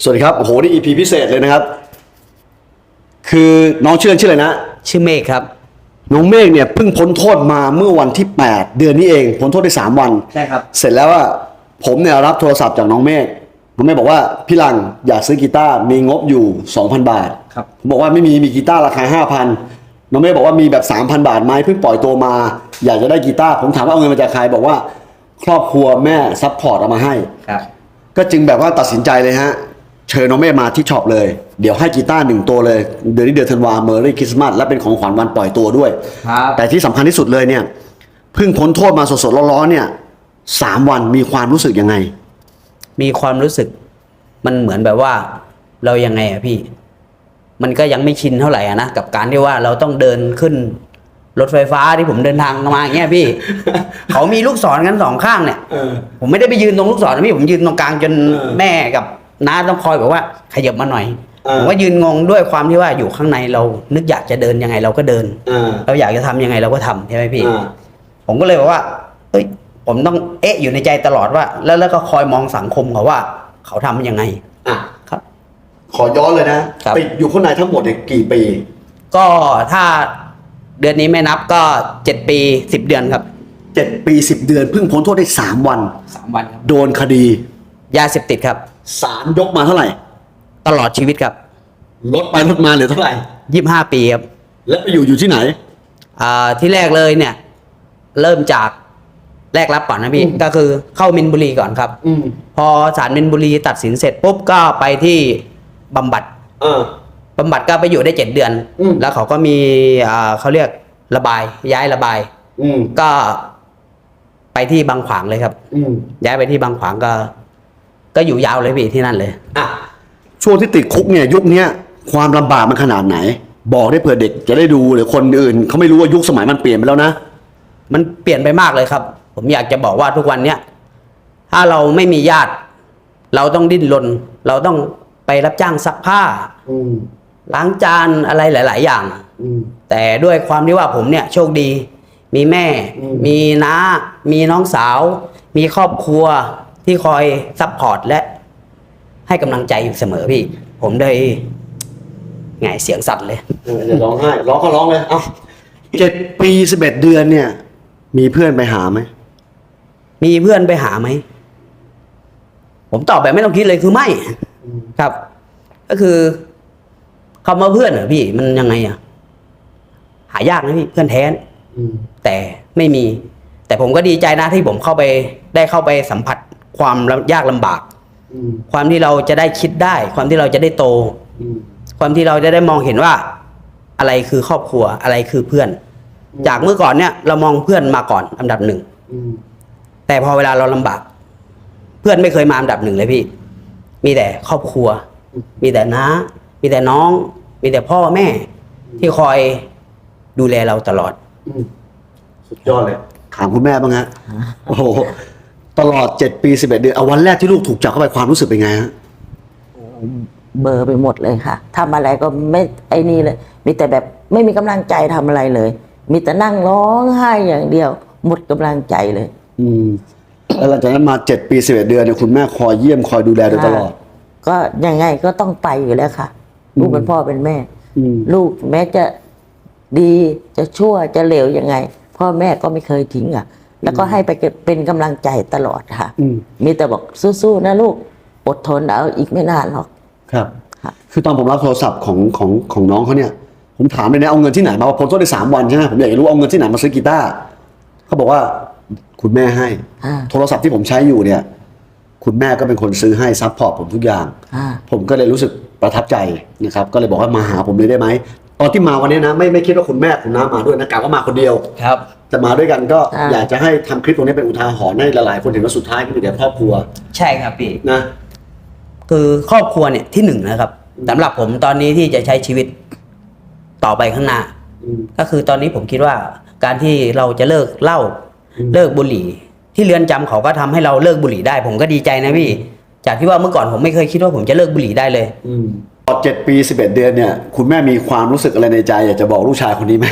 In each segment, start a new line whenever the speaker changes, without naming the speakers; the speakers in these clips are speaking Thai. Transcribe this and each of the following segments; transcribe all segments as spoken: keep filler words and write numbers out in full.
สวัสดีครับโอ้โหนี่ อี พี พิเศษเลยนะครับคือน้องชื่อชื่ออะไรนะ
ชื่อเมฆครับ
น้องเมฆเนี่ยเพิ่งพ้นโทษมาเมื่อวันที่แปดเดือนนี้เองพ้นโทษได้สามวัน
ใช่ครับ
เสร็จแล้วว่าผมเนี่ยรับโทรศัพท์จากน้องเมฆน้องเมฆบอกว่าพี่ลังอยากซื้อกีตาร์มีงบอยู่ สองพัน บาท
ครับ
ผมบอกว่าไม่มีมีกีตาร์ราคา ห้าพัน น้องเมฆบอกว่ามีแบบ สามพัน บาทไหมเพิ่งปล่อยตัวมาอยากจะได้กีตาร์ผมถามว่าเอาเงินมาจากใครบอกว่าครอบครัวแม่ซัพพอร์ตเอามาให้
ครับ
ก็จึงแบบว่าตัดสินใจเลยฮะเชิญน้องเมฆมาที่ช็อปเลยเดี๋ยวให้กีตาร์หนึ่งตัวเลยเดือนนี้เดือนธันวาเมอรี่คริสต์มาสและเป็นของขวัญวันปล่อยตัวด้วยแต่ที่สำคัญที่สุดเลยเนี่ยเพิ่งพ้นโทษมาสดๆร้อนๆเนี่ยสามวันมีความรู้สึกยังไง
มีความรู้สึกมันเหมือนแบบว่าเรายังไงอะพี่มันก็ยังไม่ชินเท่าไหร่อะนะกับการที่ว่าเราต้องเดินขึ้นรถไฟฟ้าที่ผมเดินทางมาอย่างเงี้ยพี่ เขามีลูกศรกันสองข้างเนี่ยผมไม่ได้ไปยืนตรงลูกศรนะพี่ผมยืนตรงกลางจนแม่กับน้าต้องคอยแบบว่าขยับมาหน่อยผมก็ยืนงงด้วยความที่ว่าอยู่ข้างในเรานึกอยากจะเดินยังไงเราก็เดินเราอยากจะทำยังไงเราก็ทำใช่ไหมพี่ผมก็เลยบอกว่าเอ้ยผมต้องเอ๊ะอยู่ในใจตลอดว่าแล้วแล้วก็คอยมองสังคมเขาว่าเขาทำยังไง
อ่ะ
ครับ
ขอย้อนเลยนะติดอยู่ข้างในทั้งหมดเนี่ยกี่ปี
ก็ถ้าเดือนนี้ไม่นับก็เจ็ดปีสิบเดือนครับ
เจ็ดปีสิบเดือนเพิ่งพ้นโทษได้สามวัน
สามวันครับ
โดนคดี
ยาเสพติดครับ
ศาลยกมาเท่าไหร่
ตลอดชีวิตครับ
ลดไปลดมาเหลือเท่าไหร่
ยี่สิบห้าปีครับ
แล้วไปอยู่อยู่ที่ไหน
อ่าที่แรกเลยเนี่ยเริ่มจากแรกรับก่อนนะพี่ก็คือเข้ามินบุรีก่อนครับอพอศาลมินบุรีตัดสินเสร็จปุ๊บก็ไปที่บำบัดบำบัดก็ไปอยู่ได้เจ็ดเดือนแล้วเขาก็มีอ่าเขาเรียกระบายย้ายระบายก็ไปที่บางขวางเลยครับย้ายไปที่บางขวางก็ก็อยู่ยาวเลยพี่ที่นั่นเลย
อ่ะช่วงที่ติดคุกเนี่ยยุคนี้ความลำบากมันขนาดไหนบอกได้เผื่อเด็กจะได้ดูหรือคนอื่นเขาไม่รู้ว่ายุคสมัยมันเปลี่ยนไปแล้วนะ
มันเปลี่ยนไปมากเลยครับผมอยากจะบอกว่าทุกวันเนี้ยถ้าเราไม่มีญาติเราต้องดิ้นรนเราต้องไปรับจ้างซักผ้าล้างจานอะไรหลายๆอย่างแต่ด้วยความที่ว่าผมเนี่ยโชคดีมีแม่มีน้ามีน้องสาวมีครอบครัวที่คอยซัพพอร์ตและให้กำลังใจอยู่เสมอพี่ผมได้ไงเสียงสั่นเลย
เดี๋ยวร้องไห้ร้องก็ร้องเลยเอ้าเจ็ดปีสิบเอ็ดเดือนเนี่ยมีเพื่อนไปหาไหม
มีเพื่อนไปหาไหมผมตอบแบบไม่ต้องคิดเลยคือไม่ครับก็คือคำว่าเพื่อนเหรอพี่มันยังไงอะหายากนะพี่เพื่อนแท้แต่ไม่มีแต่ผมก็ดีใจนะที่ผมเข้าไปได้เข้าไปสัมผัสความยากลำบากความที่เราจะได้คิดได้ความที่เราจะได้โตความที่เราจะได้มองเห็นว่าอะไรคือครอบครัวอะไรคือเพื่อนจากเมื่อก่อนเนี่ยเรามองเพื่อนมาก่อนอันดับหนึ่งแต่พอเวลาเราลำบากเพื่อนไม่เคยมาอันดับหนึ่งเลยพี่มีแต่ครอบครัวมีแต่น้ามีแต่น้องมีแต่พ่อแม่ที่คอยดูแลเราตลอด
สุดยอดเลยถามคุณแม่บ้างฮะโอ้โหตลอดเจ็ดปีสิบเอ็ดเดือนเอาวันแรกที่ลูกถูกจับเข้าไปความรู้สึกเป็นไงฮะ
เบอร์ไปหมดเลยค่ะทำอะไรก็ไม่ไอ้นี่เลยมีแต่แบบไม่มีกำลังใจทำอะไรเลยมีแต่นั่งร้องไห้อย่างเดียวหมดกำลังใจเลย
อืมแล้วหลังจากนั้นมาเจ็ดปีสิบเอ็ดเดือนเนี่ยคุณแม่คอยเยี่ยมคอยดูแลโดยตลอด
ก็ยังไงก็ต้องไปอยู่แล้วค่ะลูกเป็นพ่อเป็นแม่ลูกแม้จะดีจะชั่วจะเลวยังไงพ่อแม่ก็ไม่เคยทิ้งอ่ะแล้วก็ให้ไปเป็นกำลังใจตลอดค่ะมีแต่บอกสู้ๆนะลูกอดทนเอาอีกไม่นานหรอก
ครับคือตอนผมรับโทรศัพท์ของของของน้องเขาเนี่ยผมถามเลยนะเอาเงินที่ไหนมาพ้นโทษได้สามวันใช่ไหมผมอยากจะรู้เอาเงินที่ไหนมาซื้อกีตาร์เขาบอกว่าคุณแม่ให้โทรศัพท์ที่ผมใช้อยู่เนี่ยคุณแม่ก็เป็นคนซื้อให้ซัพพอร์ตผมทุกอย่างผมก็เลยรู้สึกประทับใจนะครับก็เลยบอกว่ามาหาผมเลยได้ไหมตอนที่มาวันนี้นะไม่ไม่คิดว่าคุณแม่คุณน้ามาด้วยนะกะว่ามาคนเดียว
ครับ
แต่มาด้วยกันก็อยากจะให้ทำคลิปตรงนี้เป็นอุทาหรณ์ให้หลายๆคนเห็นว่าสุดท้ายก็คือเดี๋ยวครอบครัว
ใช่ครับพี่
นะ
คือครอบครัวเนี่ยที่หนึ่งนะครับสำหรับผมตอนนี้ที่จะใช้ชีวิตต่อไปข้างหน้าก็คือตอนนี้ผมคิดว่าการที่เราจะเลิกเหล้าเลิกบุหรี่ที่เรือนจำเขาก็ทำให้เราเลิกบุหรี่ได้ผมก็ดีใจนะพี่จากที่ว่าเมื่อก่อนผมไม่เคยคิดว่าผมจะเลิกบุหรี่ได้เลย
ตลอดเจ็ดปีสิบเอ็ดเดือนเนี่ยคุณแม่มีความรู้สึกอะไรในใจอยากจะบอกลูกชายคนนี้ไหม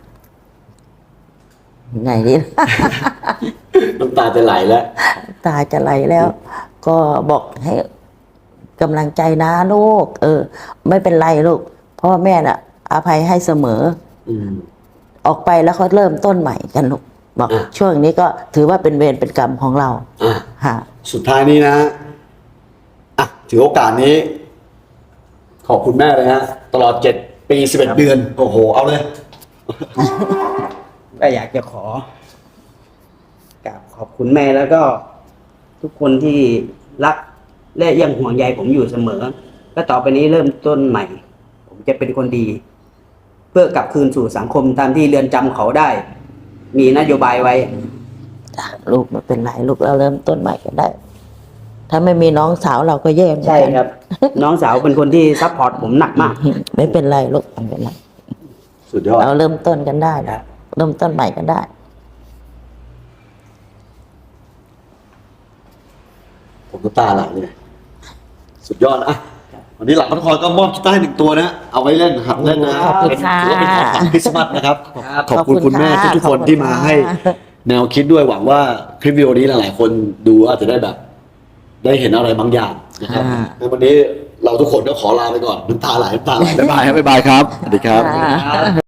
ไงนี่
น้ำตาจะไหลแล้ว
ตาจะไหลแล้วก็บอกให้กำลังใจนะลูก เออ ไม่เป็นไรลูกพ่อแม่น่ะอภัยให้เสมอ
อืม
ออกไปแล้วเขาเริ่มต้นใหม่กันลูกบอก
อ่ะ
ช่วงนี้ก็ถือว่าเป็นเวรเป็นกรรมของเรา
อ่ะ
ค่ะ
สุดท้ายนี้นะอ่ะถือโอกาสนี้ ขอบคุณแม่เลยฮะตลอดเจ็ดปีสิบเอ็ดเดือน โอ้โห เอาเลย
ก็อยากจะขอกราบขอบคุณแม่แล้วก็ ทุกคนที่รักและยังห่วงใยผมอยู่เสมอและต่อไปนี้เริ่มต้นใหม่ ผมจะเป็นคนดี เพื่อกลับคืนสู่สังคมตามที่เรือนจำเขาได้ มีนโยบายไว้
จ้ะลูกไม่เป็นไรลูกเราเริ่มต้นใหม่กันได้ ถ้าไม่มีน้องสาวเราก็แย่เหมือนกัน
ใช่ครับ น้องสาวเป็นคนที่ซัพพอร์ตผมหนักมาก
ไม่เป็นไรลูกไม่เป็นไร
สุดยอด
เราเริ่มต้นกันได้นะเริ่มต้นใหม่กันได้
ผมน้ำตาไหลเลย สุดยอดนะอ่ะวันนี้หลังพัทคอยก็มอบกีตาร์ให้หนึ่งตัวนะ เอาไว้เล่นหัดเล่นนะ
ขอบคุณ
เป็น
ค่ะ
ถือว่าเป็นของขวัญคริสต์มาสนะครับ
ครับ
ขอบคุณคุณแม่
ขอบคุณค่ะ
ทุกๆคน
ขอบคุณ
ที่มาให้
ค่ะ
แนวคิดด้วยหวังว่าคลิปวิดีโอนี้หลายๆคนดูอาจจะได้แบบ ได้เห็นอะไรบางอย่างนะครับในวันนี้เราทุกคนก็ขอลาไปก่อนน้ำตาไหลน้ำตาไหลบ๊ายบายครับบ๊ายบายครับสวัสดีครับ
ค่ะ